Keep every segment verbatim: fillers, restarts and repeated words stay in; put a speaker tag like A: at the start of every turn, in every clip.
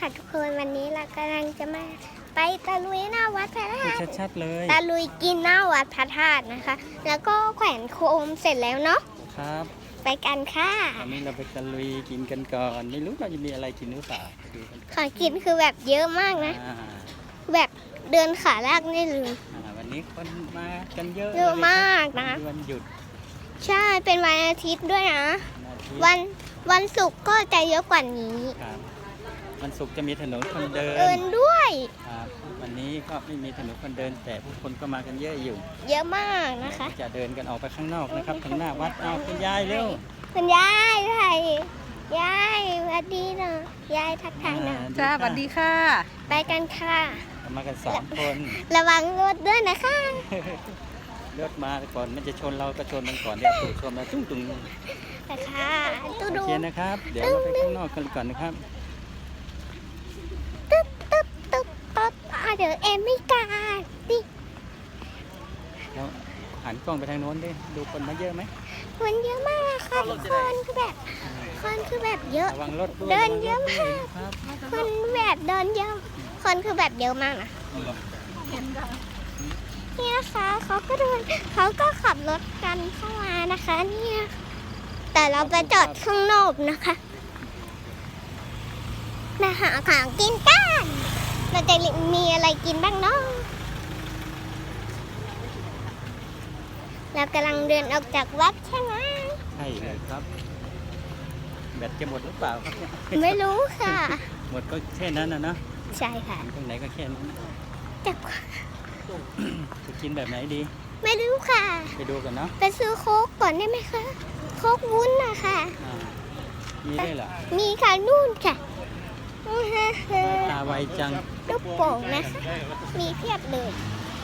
A: ค่ะทุกคนวันนี้เรากำลังจะมาไปตะลุยหน้าวัดพระธาตุ
B: ชัดๆเลย
A: ตะลุยกินหน้าวัดพระธาตุนะคะ แล้วก็แขวนโคมเสร็จแล้วเนาะ
B: ครับ
A: ไปกันค่ะ
B: วันนี้เราไปตะลุยกินกันก่อนไม่รู้เราจะมีอะไรกินหรือเปล่าคือกัน
A: ของกินคือแบบเยอะมากนะ
B: อ่า
A: แบบเดินขาลากได้เลย
B: อ่าวันนี้คนมากันเยอะ
A: เยอะมากนะ
B: วันหยุด
A: ใช่เป็นวันอาทิตย์ด้วยนะ
B: วันอาทิตย์
A: วันวันศุกร์ก็จะเยอะกว่านี้
B: ครับวันศุกร์จะมีถนนคนเดิน
A: เดินด้วย
B: ครับวันนี้ก็ไม่มีถนนคนเดิน แต่ผู้คนก็มากันเยอะอยู่
A: เยอะมากนะคะ
B: จะเดินกันออกไปข้างนอกนะครับทางหน้าวัดเอาคุณยายเร็ว
A: คุณยายไทยยายสวัสดีนะยายทักทายนะ
B: อ่
C: จ้าสวัสดีค่ะ
A: ไปกันค่ะ
B: มากันสามคน
A: ระวังรถด้วยนะคะ
B: รถมาก่อนมันจะชนเราก็ชนมันก่อนเดี๋ยวถูกชนมาตุ้งตุ้ง
A: ไปค่ะตู้
B: โอ
A: ดู
B: เคนะครับ เดี๋ยวเราไปข้างนอกกันก่อนนะครับ
A: ตึ๊บตึ๊บตึ๊บตึ๊บอ่ะเดี๋ยวเอ็มไม่กล้าดิ
B: แล้วหันกล้องไปทางโน้นดิดูคนมาเยอะไหม
A: คนเยอะมากค่ะทุกคนคือแบบคนคือแบบเยอะ
B: ระวังรถด้วย
A: เดินเยอะมาก
B: ครับ
A: คนแบบเดินเยอะคนคือแบบเยอะมากนะนี่นะคะเขาก็เดินเขาก็ขับรถกันเข้ามานะคะเนี่ยแต่เราไปจอดข้างนอกนะคะมาหาของกินกันเราจะมีอะไรกินบ้างเนาะเรากำลังเดินออกจากวัดใช่ไหม
B: ใช่เลยครับ แบตจะหมดหรือเปล่าครับเนี่ย
A: ไม่รู้ค่ะ
B: หมดก็แค่นั้นนะเนาะ
A: ใช่ค่ะ
B: ตรงไหนก็แค่นั้น
A: แต่
B: จะกินแบบไหนดี
A: ไม่รู้ค่ะ
B: ไปดูกันเนาะ
A: ไปซื้อโค้กก่อนได้ไหมคะโค้กวุ้นนะคะ
B: อ่ามีได้วยเหรอ
A: มีค่ะนู่นค่ะ
B: ตาไวจัง
A: ลูกโป่งนะคะมีเพียบเลย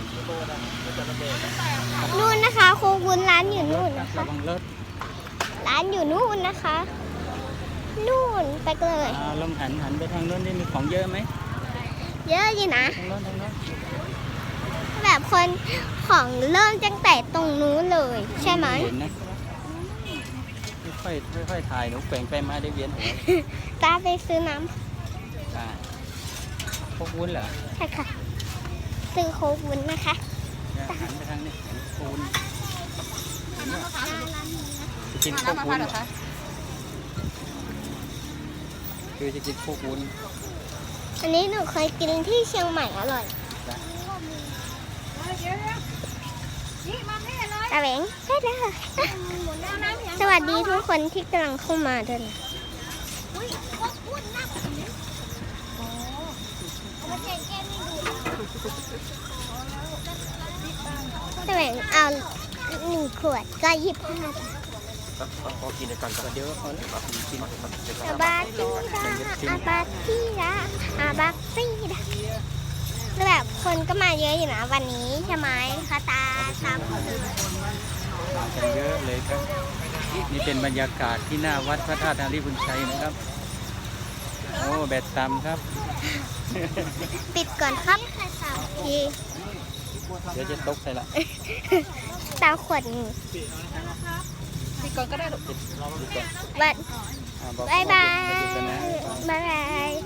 A: นู่นนะคะโค้กวุ้นร้านอยู่นู่นนะคะ
B: ระวังรถ
A: ร้านอยู่นู่นนะคะ นู่นไปเลย
B: อ่าลองหันหันไปทางโน้นดิมีของเยอะไหม
A: เยอะอยู่นะ
B: ทางโน้นทางโน้น
A: แบบคนของเริ่มตั้งแต่ตรงนู้นเลย ใช่ไหม
B: เห็นนะค่อยๆค่อยๆถ่ายหนูแกว่งไปมาได้เวียนหัว
A: ตาไปซื้อน้
B: อ่าพวกวุ้นเหรอ
A: ำใช่ค่ะ ซื้อโค้กวุ้นนะคะ
B: เนี่ยหันไปทางนี้เห็นปูนจะกิน
C: มา
B: พวก
C: น้ำมะพ
B: วุ้
C: ร้าวน เหรอคะ
B: คือจะกินพวกวุ้น
A: อันนี้หนูเคยกินที่เชียงใหม่อร่อย
B: จ้ะ
A: ตาเหวงได้เลยค่ะสวัสดีทุกคนที่กำลังเข้ามาด้วยนะตาเหวงเอาหนึ่งขวดก็ยี่สิบห้า
B: พอกินกันก็เดี๋ยวเอาแล้วกิน
A: อาบาตีดาอาบาตีดาอาบาตีดาแบบคนก็มาเยอะอยู่นะวันนี้ใช่ไหมคะตาตามคนอื่น
B: มากันเยอะเลยครับ นี่เป็นบรรยากาศที่หน้าวัดพระธาตุอารีบุญชัยนะครับ โอ้แบตต่ำครับ
A: ปิดก่อนครับที
B: เดี๋ยวจะตกใส่ละ
A: ตาขวดหนึ่ง
C: พี่ก่อนก็ได้ลูก
B: ปิดดูก่อน
A: บัด
B: อ่าบอก
A: บายบาย
B: เดี๋ยวหยุดกันนะ
A: บายบาย